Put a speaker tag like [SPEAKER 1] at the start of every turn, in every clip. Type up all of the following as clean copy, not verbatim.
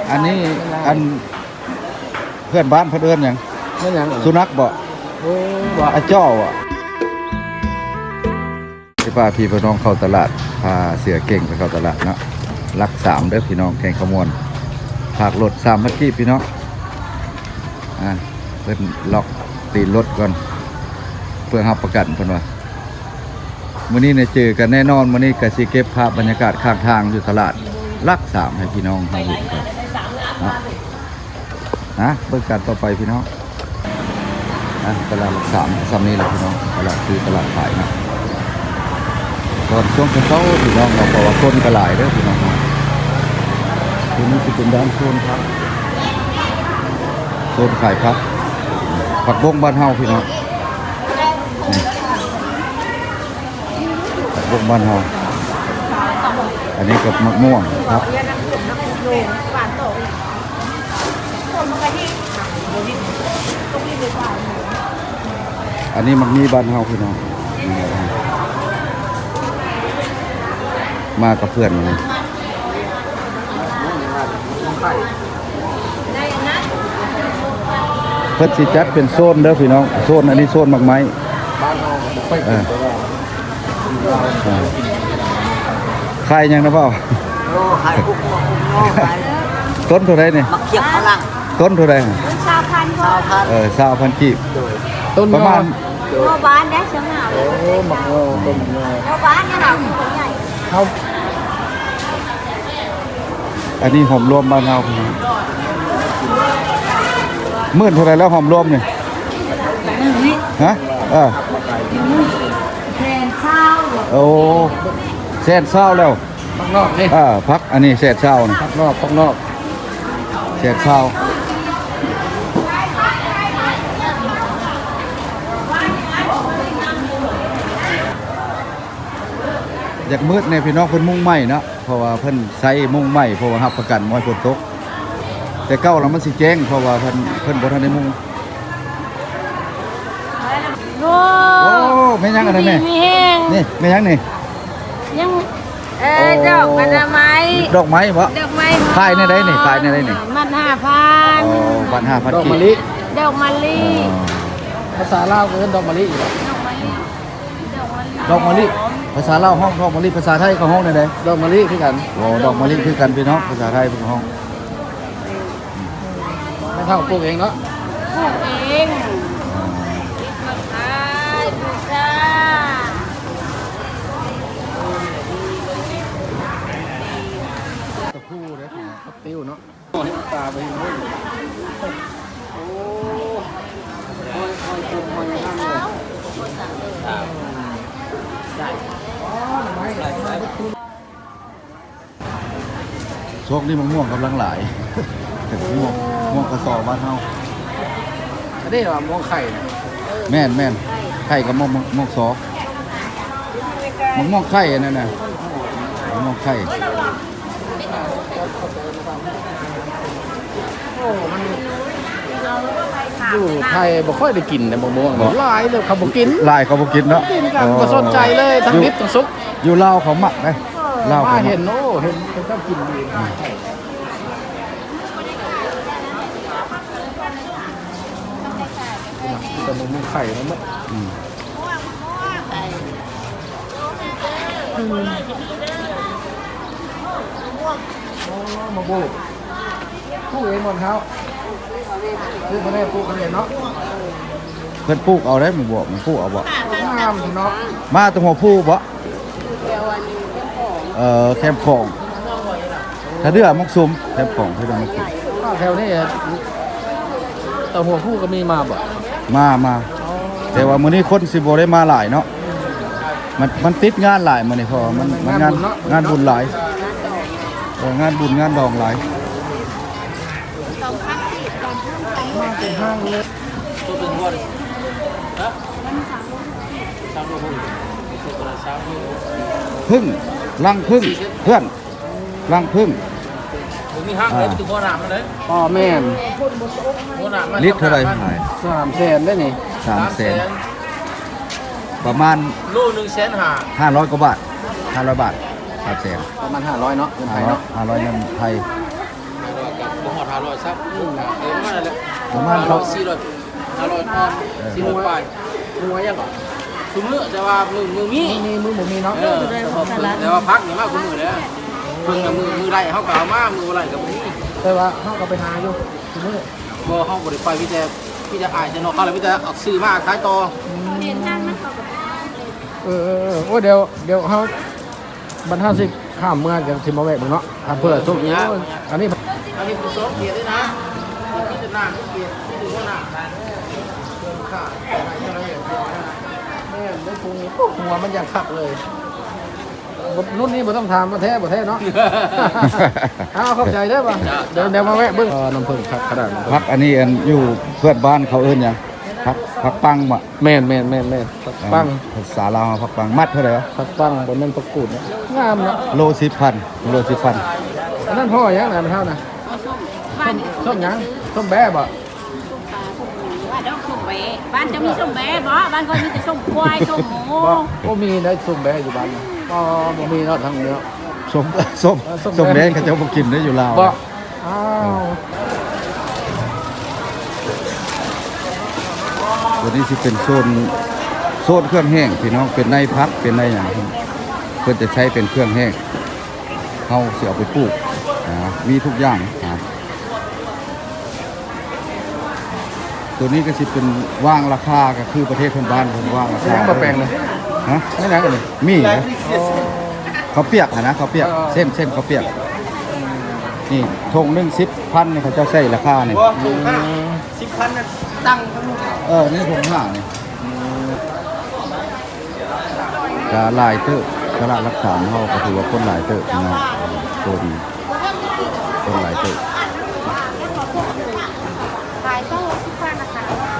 [SPEAKER 1] อันนี้อันเพื่อนบ้านเพื่อนเอิ้นหยัง
[SPEAKER 2] นั่นยัง
[SPEAKER 1] สุนัขบ่
[SPEAKER 2] โอ้บ่
[SPEAKER 1] อาจ้ออ่ะที่พาพี่พี่น้องเข้าตลาดพาเสือเก่งไปเข้าตลาดเนาะรัก3เด้อพี่น้องแข่งขมวนฝากรถ3พันกี้พี่น้องเพิ่นล็อกตีนรถก่อนเพื่อรับประกันเพิ่นว่ามื้อนี้เนี่ยเจอกันแน่นอนมื้อนี้ก็สิเก็บภาพบรรยากาศข้างทางอยู่ตลาดรัก3ให้พี่น้องเฮาเห็นครับเบิ่งกันต่อไปพี่น้องตลาดรัก3ซ้ำนี้แหละพี่น้องตลาดคือตลาดขายนะตอนช่วงเช้าพี่น้องเราบอกว่าคนก็หลายเด้อพี่น้องทีนี้สิเป็นด้านโซนครับโซนขายครับผักบงบ้านเฮาพี่น้องผักบงบ้านเฮาอันนี้กับมะม่วงครับอันนี้มันมีบ้านเฮาพี่น้องมากับเพื่อนมันเพื่อนสิจัดเป็นโซนเด้อพี่น้องโซนอันนี้โซนหมากไม้ขายยังนะเปล่าต้นเท่าไรเนี่ย
[SPEAKER 3] มักเขียบฝรั่ง
[SPEAKER 1] ต้นเท่าไร
[SPEAKER 3] 20,000
[SPEAKER 1] กีบ
[SPEAKER 2] ต้น
[SPEAKER 1] ประมาณ
[SPEAKER 3] โลบ้านได้เชียงหาว
[SPEAKER 2] โอ้หมักต้นหมัก
[SPEAKER 3] โลบ้านเนี่ยเราใหญ่
[SPEAKER 2] เขา
[SPEAKER 1] อันนี้หอมรวมบ้านเฮาพี่น้องหมื่นเท่าไรแล้วหอมรวมเนี่ยฮะ
[SPEAKER 3] แทนข้าว
[SPEAKER 1] โอ้แสนเศร้าแล้ว
[SPEAKER 2] ข้างนอกนี่
[SPEAKER 1] พักอันนี้แสนเศร้านะ
[SPEAKER 2] ข้างนอก
[SPEAKER 1] แสนเศร้าอยากมืดในพี่น้องเพิ่นมุ่งไหม้เนาะเพราะว่าเพิ่นใช้มุ่งไหม้เพราะว่ารับประกันบ่ให้ฝนตกแต่เก้าแล้วมันสิแจ้งเพราะว่าเพิ่นบ่ทันได้มุ่ง
[SPEAKER 3] โอ้
[SPEAKER 1] โอ้แม่ยังอันนั้นแม่
[SPEAKER 3] มีแห้ง
[SPEAKER 1] นี่แม่ยังนี่
[SPEAKER 3] ยังดอกอนามัย
[SPEAKER 1] ดอกไม้บ่
[SPEAKER 3] ดอกไม้
[SPEAKER 1] ขายในใดนี่ขายในใดนี่
[SPEAKER 3] มัน
[SPEAKER 1] อ๋อ
[SPEAKER 3] 5,000
[SPEAKER 1] บัตร 5,000
[SPEAKER 2] ดอก
[SPEAKER 1] กี
[SPEAKER 2] มะ
[SPEAKER 1] บ
[SPEAKER 2] ลิ
[SPEAKER 3] ดอกมะลิ
[SPEAKER 2] ภาษาลาวก็เป็นดอกมะลิอีก
[SPEAKER 1] ดอกมะลิภาษาลาวห้องดอกมะลิภาษาไทยก็ห้องใด
[SPEAKER 2] ดอกมะลิคือกัน
[SPEAKER 1] ๆโอ้ดอกมะลิคือกันพี่น้องภาษาไทยเป็นห้อง
[SPEAKER 2] ไม่เท่าปลูกเองเนาะ
[SPEAKER 3] ปลูกเองมาขายบูชา
[SPEAKER 1] ตะคู่เด้อพี่น้อง
[SPEAKER 2] ครับติ้วเนาะตาไปโน่นโอ้คอยจุ่มคอยนั่งเลยได้
[SPEAKER 1] ช่วงนี้มะม่วงกำลังหลาย ม่วงกระสอบบ้านเฮา
[SPEAKER 2] อันนี้ว่ามองไข่
[SPEAKER 1] แม่นไข่กับม่วงซอม่วงไข่อันนั้นน่ะม่วงไข่
[SPEAKER 2] โอ้มันอยู่ไทยบ่ค่อยได้กินนะมะม่วงหลายเลยเขาบ่กิน
[SPEAKER 1] ลายเขาบ่กินเนาะ
[SPEAKER 2] กินกันบ่สนใจเลยทั้งดิบทั้งสุก
[SPEAKER 1] อยู่ลาวเขาหมักได้ลาว
[SPEAKER 2] มา
[SPEAKER 1] เขาหมั
[SPEAKER 2] เห็
[SPEAKER 1] ก
[SPEAKER 2] นโอ้เห็นเขาชอบกินดีแต่มะม่วงไข่มันมะม่วงผู้เองหมดเขาซื้อมาได้ปลูกกันเองเนาะ
[SPEAKER 1] เพิ่นปลูกเอาได้หมู่บ่มันปลูกเอาบ่
[SPEAKER 2] งามเนาะ
[SPEAKER 1] มาตรงหัวผู้บ่แคมป์ของถ้าเดือมักซุมแคมป์ของที่เรามักซุม
[SPEAKER 2] แถวนี้แต่หัวผู้ก็มีมาบ่
[SPEAKER 1] มาแต่ว่ามื้อนี้คนสิบ่ได้มาหลายเนาะมันติดงานหลายมื้อนี้เพราะว่ามันงานบุญหลายงานบุญงานดองหลาย
[SPEAKER 2] มาเป็นห้างเลย
[SPEAKER 1] พึ่งรังพึ่งเพื่อนรังพึ่ง
[SPEAKER 4] มีห้างเลยถึงหัวหนามมาเลย
[SPEAKER 2] พ่อแม่น
[SPEAKER 4] หัวหนามมา
[SPEAKER 1] ลิตรเท่าไหร่ขาย
[SPEAKER 2] 300,000ได้นี่
[SPEAKER 1] 300,000ประมาณ
[SPEAKER 4] ลูก150,000
[SPEAKER 1] 500กว่าบาท500 บาท300,000
[SPEAKER 2] ประมาณ500เนาะเงินไทยเนาะ
[SPEAKER 1] 500เงินไทย
[SPEAKER 4] โบ 500ซับประมาณนั้นแหละ
[SPEAKER 1] ประมาณเขา
[SPEAKER 4] 500อ้อม400ปลาย
[SPEAKER 2] มึงไว้ยังก่อน
[SPEAKER 4] ซุมื้อแต่ว่ามือมี
[SPEAKER 2] นี่มือผมมีเนาะ
[SPEAKER 4] แต่ว่าพักนี่มากกว่ามือแล้วเพิ่งกับมือไรเฮาก็เอามามือไรกับมือนี้
[SPEAKER 2] แต่ว่าเขาก็ไปหาอยู่มือ
[SPEAKER 4] บ่เฮาบ่ได้ไปพี่จะอายจะนอกเขาแล้วพี่จะเอาซื้อมาขายต่อ
[SPEAKER 3] เรียนท่านมันเขาก็
[SPEAKER 2] โอ้เดี๋ยวเขาบรรทัดสิข้ามเมืองจากทิมมาแวกมึงเนาะทำเพื่อสุขอันนี้
[SPEAKER 4] อันนี้ผู้สอบเกียรติด้วยนะที่จะนั่งเกียรติที่ดูว่าหน้าเกินค่าอะไรอย่างเงี้ย
[SPEAKER 2] แม่ไม่ปรุงหัวมันยังคักเลยรุ่นนี้บ่ต้องทำมาแท้เนาะเอาเข้าใจได้ป่ะเดี๋ยวมาแวะเบิ้งน้ำผึ้งคักขนาด
[SPEAKER 1] พักอันนี้อันอยู่เพื่อนบ้านเขาเอิ้นหยังพักปังบ่
[SPEAKER 2] แม่นปัง
[SPEAKER 1] ภาษาลาวพักปังมัดเท่าไหร่วะ
[SPEAKER 2] ปังบนนั้นประกูดนะงามเนาะ
[SPEAKER 1] โล10,000โล10,000
[SPEAKER 2] อันนั้นพ่อยังนะมันเท่านะ
[SPEAKER 3] เอาส้มบ้าน
[SPEAKER 2] ส้มยังส้มแบ๊บ่
[SPEAKER 3] ส้มปลาส้มหมูว่าดอกส้มแบะบ้านจะมีส้มแบะบ่บ้านก็มีแต่ส้มควายส้มหมู
[SPEAKER 2] บ่มีได้ส้มแบ๊อยู่บ้านบ่มีเนาะทางเนื้อ
[SPEAKER 1] ส้มแดงเขาจะบ่กินได้อยู่ลาว
[SPEAKER 2] บ่อ้าว
[SPEAKER 1] ตัวนี้สิเป็นโซนเครื่องแห้งพี่น้องเป็นในพักเป็นในหยังเพิ่นจะใช้เป็นเครื่องแห้งเฮาสิเอาไปปลูกมีทุกอย่างตัวนี้ก็สิเป็นว่างราคาก็คือประเทศเพื่อนบ้านเพิ่นว่างราคา
[SPEAKER 2] ยังบ่แปลงเลย
[SPEAKER 1] ฮะ
[SPEAKER 2] ไม่นั่งกันเลย
[SPEAKER 1] มีนะเขาวเปียกนะเขาวเปียกเส้นเขาวเปียกนี่ทงนึง10,000นี่เขาเจ้าใช้ราคานี่
[SPEAKER 4] ถูกห้า10,000น่ะตั้งทั้งหมด
[SPEAKER 1] นี่ทงห้านี่กะลายเตอร์ตลาดรักษาเฮาก็ถือว่าคนหลายเตอร์พี่น้องคนหลายเตอร์
[SPEAKER 3] ขายต้อง10,000นะคะ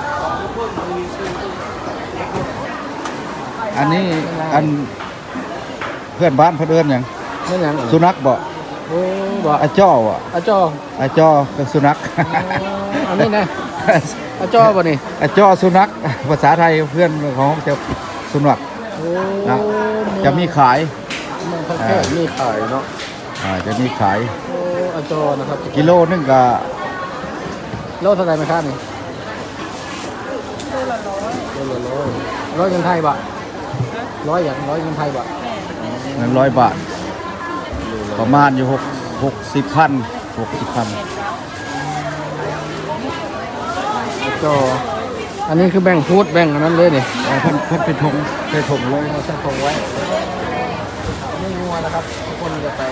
[SPEAKER 1] อันนี้อันเพื่อนบ้านเพิ่นเอิ้นหยัง
[SPEAKER 2] ไม่ยัง
[SPEAKER 1] สุนัขบ่
[SPEAKER 2] โอ้บ่
[SPEAKER 1] อาจ้อบ่
[SPEAKER 2] อาจอ
[SPEAKER 1] อาจ้อกับสุนัข
[SPEAKER 2] อันนี้นะอาจอบ่นี่
[SPEAKER 1] อาจ้อสุนัขภาษาไทยเพื่อนของจะสุนัข
[SPEAKER 2] โอ้
[SPEAKER 1] นะจะมีขาย
[SPEAKER 2] มันเขาแค่มีขายเนาะ
[SPEAKER 1] จะมีขาย
[SPEAKER 2] โอ้อาจอนะครับ
[SPEAKER 1] กิโลนึงก็
[SPEAKER 2] โลเท่าไหร่ไหมครับนี่โลละร้อยเงินไทยบ่ร้อยเงินไทยบ่
[SPEAKER 1] เงิน100 บาท ประมาณอยู่60,000
[SPEAKER 2] จออันนี้คือแบ่งพูดแบ่งอันนั้นเลยนี่
[SPEAKER 1] เพิ่นเป็นทงเลย
[SPEAKER 2] เราใส่ทงไว้ไม่งัวนะครับทุกคนจะไป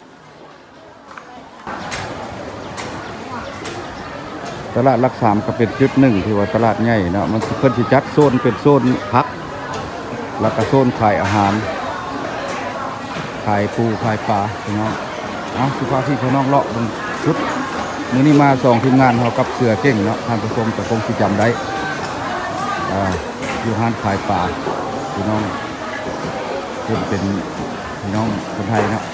[SPEAKER 1] ตลาดรักษามก็เป็นจุดหนึ่งที่ว่าตลาดใหญ่เนาะมันเพิ่นสิจัดโซนเป็นโซนพักแล้วก็โซนขายอาหารขายปูขายปลาพี่น้องสิพาพี่น้องเลาะบนชุดมื้อนี้มา2ทีมงานเฮากับเสือเก่งเนาะท่านผู้ชมก็คงสิจำได้อยู่ร้านขายปลาพี่น้องเพิ่นเป็นพี่น้องคนไทยเนาะ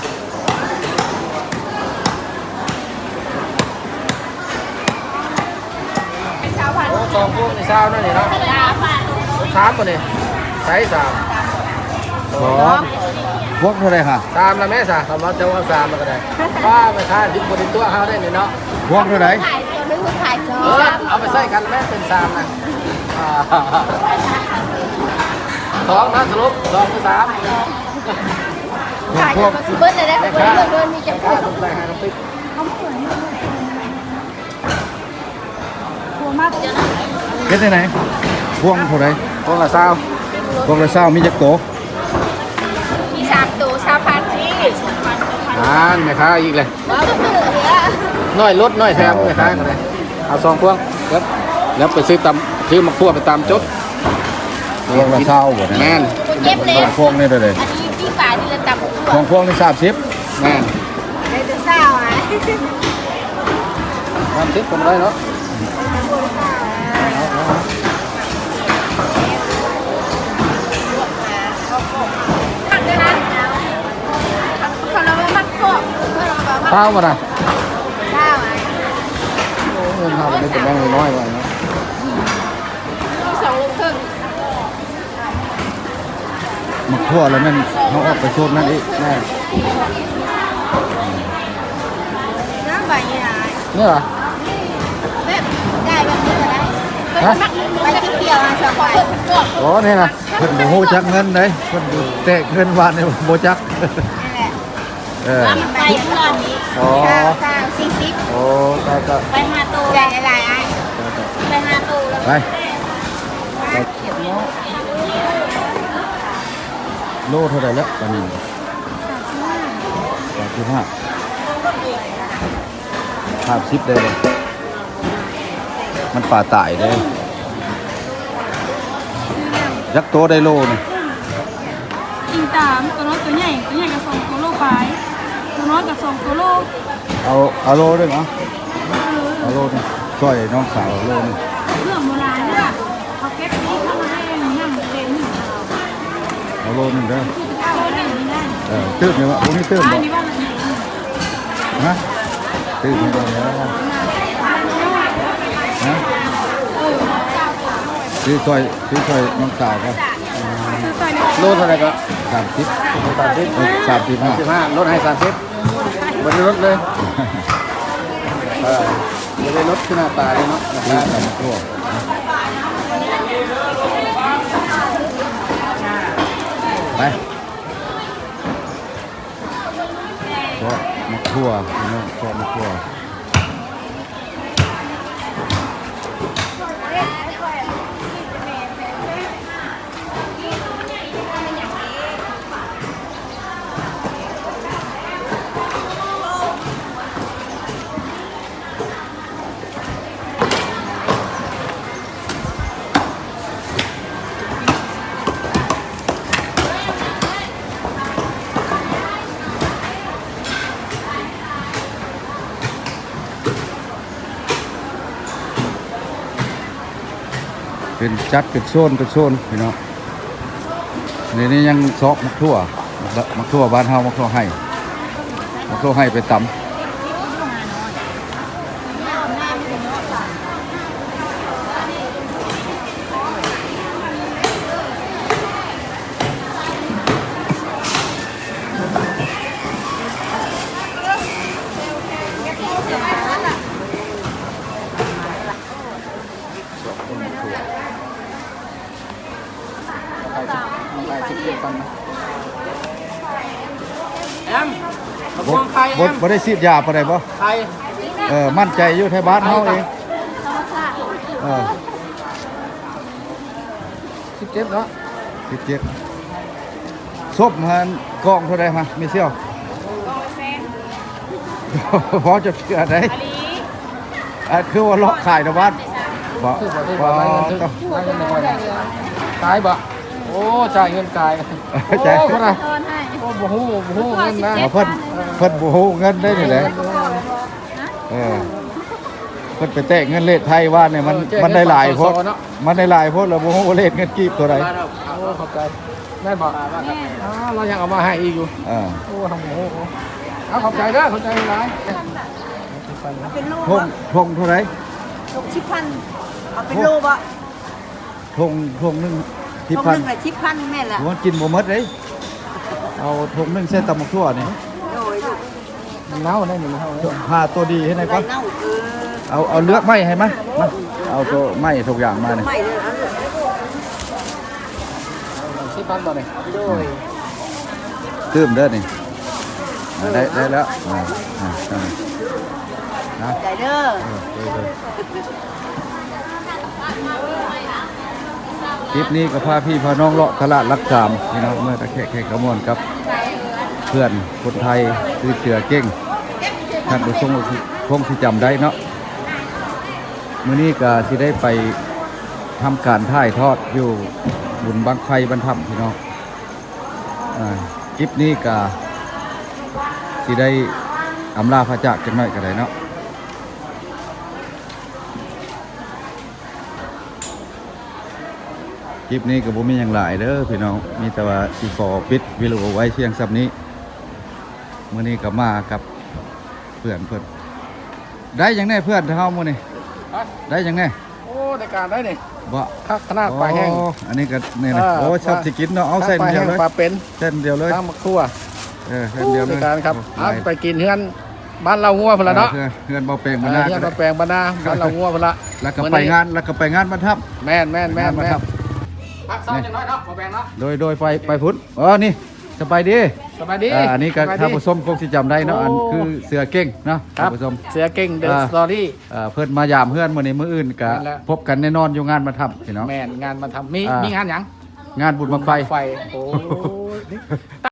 [SPEAKER 2] โอ้สองพวกนี่เช้านั่นนี่เนาะสามป่ะนี่ใช้สาม
[SPEAKER 1] พวกเท่าไหร่ค่ะ
[SPEAKER 2] สามละแม่สามคำว่าจะว่าสามมันก็ได้ว่าไปทานดิบคนตัวเขาได้นี่เนาะ
[SPEAKER 1] พวกเท่าไหร่
[SPEAKER 3] ขายตัวนึงขาย2
[SPEAKER 2] เอาไปใส่กันแม่เป็นสามนะสองนะสรุป2คือ3
[SPEAKER 3] ขายตัวสิเบิ้ลเลยได้เบิ้ลมีจะ
[SPEAKER 2] ค่าตกแต่งให้น้ำพริก
[SPEAKER 3] หัวมากจะ
[SPEAKER 1] เฮ็ดได้ไหนพวงเท่าไหร่
[SPEAKER 2] พวกละเช้า
[SPEAKER 1] พวงละ20มีจักโต
[SPEAKER 3] มี3ตัว3,000ที่
[SPEAKER 2] แม่ค้าอีกเลย
[SPEAKER 3] ว้าวเหลือ
[SPEAKER 2] น้อยลดน้อยแถมแม่ค้ากันเลยเอา2พวงครับแล้วไปซื้อซื้อมะขั่วไปตามจด
[SPEAKER 1] พวงละ20บ่
[SPEAKER 2] แม่
[SPEAKER 1] นะ
[SPEAKER 2] น
[SPEAKER 3] เก็บเลย
[SPEAKER 1] พวงนี่เท่าไหร่
[SPEAKER 3] อันนี้พี่ป่าที่เราตำ
[SPEAKER 1] พวงนี่30
[SPEAKER 2] แม่น
[SPEAKER 3] ได้จะเศร้าอ่ะ
[SPEAKER 2] 30ผมได้เนาะ
[SPEAKER 3] หักด้วยนะคนเราไม่มักโคก
[SPEAKER 2] เช้ามาได้
[SPEAKER 3] เศร้าอ่ะ
[SPEAKER 2] เงินทำได้แต่แบงค์น้อยกว่าเนาะ
[SPEAKER 3] มี2 ลูกครึ่ง
[SPEAKER 1] มาคั่วแล้วนั่นเขาออกไปโซนนั่นอีก
[SPEAKER 2] แม่
[SPEAKER 3] น้ำใบยี่ห้อ
[SPEAKER 2] จเนี่ยเหรอ
[SPEAKER 3] แบบได้แบบนี้ก็ได้
[SPEAKER 2] ฮะ
[SPEAKER 3] ไปที่เดียวสองใบ
[SPEAKER 2] โอ้นี่นะ
[SPEAKER 1] เพิ่นบ่ฮู้จักเงินเด้เพิ่นอยู่แตกเงินวานนี่บ่จัก
[SPEAKER 3] นั่นแหละ
[SPEAKER 1] เออ
[SPEAKER 3] ว่ามันไปเพื่อนนี้
[SPEAKER 1] อ๋อ
[SPEAKER 3] ข้าว40
[SPEAKER 1] โอ้ก็
[SPEAKER 3] ไป5ตู้ได้หลายๆอ่ะไป5ตู้แล้ว
[SPEAKER 1] ไปโลเท่าไหร่แล้วตอนนี้35 50ได้เลยมันป่าตายเด้ยักษ์โตได้โลนี่
[SPEAKER 5] อิงตามตัวน้อยตัวใหญ่กับสองตัวโลไปตัวน้อยกับสองตัวโล
[SPEAKER 1] เอาโลด้วยเหรอเอาโลนึงซอยน้องสาวโลนึง
[SPEAKER 5] เรื่องโบราณเนี่ยเขาเก็บนี้เข้ามาให้ย่ำเป็น
[SPEAKER 1] เอาโลนึงเด้อ
[SPEAKER 5] เอาหนึ่งนี่ได้
[SPEAKER 1] ตื้มเนี่ยวะพวกนี้ตื้ม
[SPEAKER 5] อั
[SPEAKER 1] บ่
[SPEAKER 5] นนี้ว่ามัน
[SPEAKER 1] ฮะตื้มให้ได้แล้วฮะซื้อซอยน้องสาวก็
[SPEAKER 5] ซื้อใส่ใน
[SPEAKER 2] โลเท่าไหร่ก็
[SPEAKER 1] 30
[SPEAKER 2] 30
[SPEAKER 1] 35
[SPEAKER 2] 15ลดให้30บนรถเลยจะได้ลดขึ้นหน้าตาเลยเนาะ
[SPEAKER 1] ซื้อตำทั่วไปชอบมะทั่วพี่น้องชอบมะทั่วเป็นจัดเป็นโซนพี่น้องนี่ยังซอกมะทั่วบ้านเฮามะทั่วให้ไปตำ
[SPEAKER 2] แอมมะม่วงไข่แอม
[SPEAKER 1] บ่ได้ฉีดยาปานใดบ่
[SPEAKER 2] ไข่
[SPEAKER 1] มั่นใจอยู่ไทยบ้านเฮาเองเออ
[SPEAKER 2] 17เนาะ
[SPEAKER 1] 17ซบมันกองเท่าใดฮะมีเสี่ยวพอจะเชื่อได้คือว่าเลาะขายนะบ้านบ่
[SPEAKER 2] คือบ่ได้บ่ได้เงินถึงได้เงินบ่ได้ตายบ่โอ้จ่ายเงินกายโอ้คนน่ะ
[SPEAKER 5] ตอนให้
[SPEAKER 2] โอ้บ่ฮู้เงินนะ
[SPEAKER 1] เพิ่นบ่ฮู้เงินได้นี่แหละเพิ่นไปแตะเงินเลทไทยว่าเนี่ยมันได้หลายโพดมันได้หลายโพดแล้วบ่ฮู้ว่าเลทเงินกีบตัวใด
[SPEAKER 2] โอ้ขอบใจได้บ่เรายังเอามาให้อีกอยู่
[SPEAKER 1] อ่า
[SPEAKER 2] โอ้ทำโอ้เอาขอบใจเด้อขอบใจหลาย
[SPEAKER 3] เป็นโล
[SPEAKER 1] ทงเท่าไหร่
[SPEAKER 3] 60,000เอาเป็นโลบ่
[SPEAKER 1] ทงนึงที่
[SPEAKER 3] ตรง
[SPEAKER 1] พัน
[SPEAKER 3] นึงละ10,000แม่นล่ะ
[SPEAKER 1] มันกินบ่หมดเด้เอาทงนึงเส้นตำบักทั่วนี่
[SPEAKER 3] โดย
[SPEAKER 2] มันเน่าได้มันเน่าได้
[SPEAKER 1] หาตัวดีให้หน่อยก่อน
[SPEAKER 3] เน่า
[SPEAKER 1] เอาเลือกไม้ให้มาเอาตัวไม้ทุกอย่างมานี่
[SPEAKER 3] ไม่เลยเอาเลย
[SPEAKER 2] สิปันบ่นี่
[SPEAKER 3] โดย
[SPEAKER 1] ตื้มเด้อนี่ได้แล้วนะ
[SPEAKER 3] ใจเด้อ
[SPEAKER 1] คลิปนี้ก็พาพี่พาน้องเลาะตลาดรักสามพี่น้องเมื่อตะแค่กระมวลครับ เพื่อนคนไทยคือเสือเก่งท่านผู้ชมคงสิจำได้เนาะมื้อนี้ก็สิได้ไปทำการถ่ายทอดอยู่บุญบังไฟบรรทับพี่น้องคลิปนี้ก็สิได้อำลาพระจากจังหน่อยก็ได้เนาะคลิปนี้ก็บ่มีหยังหลายเด้อพี่น้องมีแต่ว่าสิขอปิดวิดีโอไว้เพียงซ้ำนี้มื้อนี้ก็มากับเพื่อนได้หยังแน่เพื่อนเฮามื้อนี้ได้หยังแน่
[SPEAKER 2] โอ้ในการได้นี่
[SPEAKER 1] บ่
[SPEAKER 2] คักขนาดปลาแห้ง
[SPEAKER 1] อันนี้ก็นี่นะโอ้ชอบสิกินเนาะเอาเส้น
[SPEAKER 2] ปลา
[SPEAKER 1] เดีย
[SPEAKER 2] แห้
[SPEAKER 1] ว
[SPEAKER 2] ง
[SPEAKER 1] เลย
[SPEAKER 2] ปลาเป็น
[SPEAKER 1] เส้นเดียวเลย
[SPEAKER 2] ทั้งมะครัว
[SPEAKER 1] เส้นเดียวเล
[SPEAKER 2] ใน
[SPEAKER 1] ย
[SPEAKER 2] การครับเอาไปกินเฮือนบ้านเรางัวพุ่นละเนาะ
[SPEAKER 1] เพื่อนเบาแปลง
[SPEAKER 2] เอ
[SPEAKER 1] มา
[SPEAKER 2] อ
[SPEAKER 1] หน้า
[SPEAKER 2] เฮียมาแปลงบ้านนาบ้านเรางัวพุ่นละ
[SPEAKER 1] แล้วก็ไปงานมาทับ
[SPEAKER 2] แม่น
[SPEAKER 1] มาทับ
[SPEAKER 2] พักเศร้าจังน้อยเนาะมาแปลงเนาะ
[SPEAKER 1] โดยไปพุ่นนี่สบายดี
[SPEAKER 2] สบายดี
[SPEAKER 1] อันนี้ก็
[SPEAKER 2] สบายดี
[SPEAKER 1] ท่านผู้ชมคงสิจำได้เนาะอันคือเสือเก่งเนาะ
[SPEAKER 2] ครั
[SPEAKER 1] ท่า
[SPEAKER 2] บ
[SPEAKER 1] นผู้ชม
[SPEAKER 2] เสือเก่งเดอะสตอรี่
[SPEAKER 1] เพิ่นมายามเพื่อนมื้อนี้มื้ออื่นก็
[SPEAKER 2] นั่นแหละ
[SPEAKER 1] พบกันแน่นอนอยู่งานมาทับพี่น้อง
[SPEAKER 2] แม่นงานมาทำมี
[SPEAKER 1] อ่ามี
[SPEAKER 2] มีงานหยัง
[SPEAKER 1] งานบุญบังไฟ
[SPEAKER 2] ไฟโอ้ย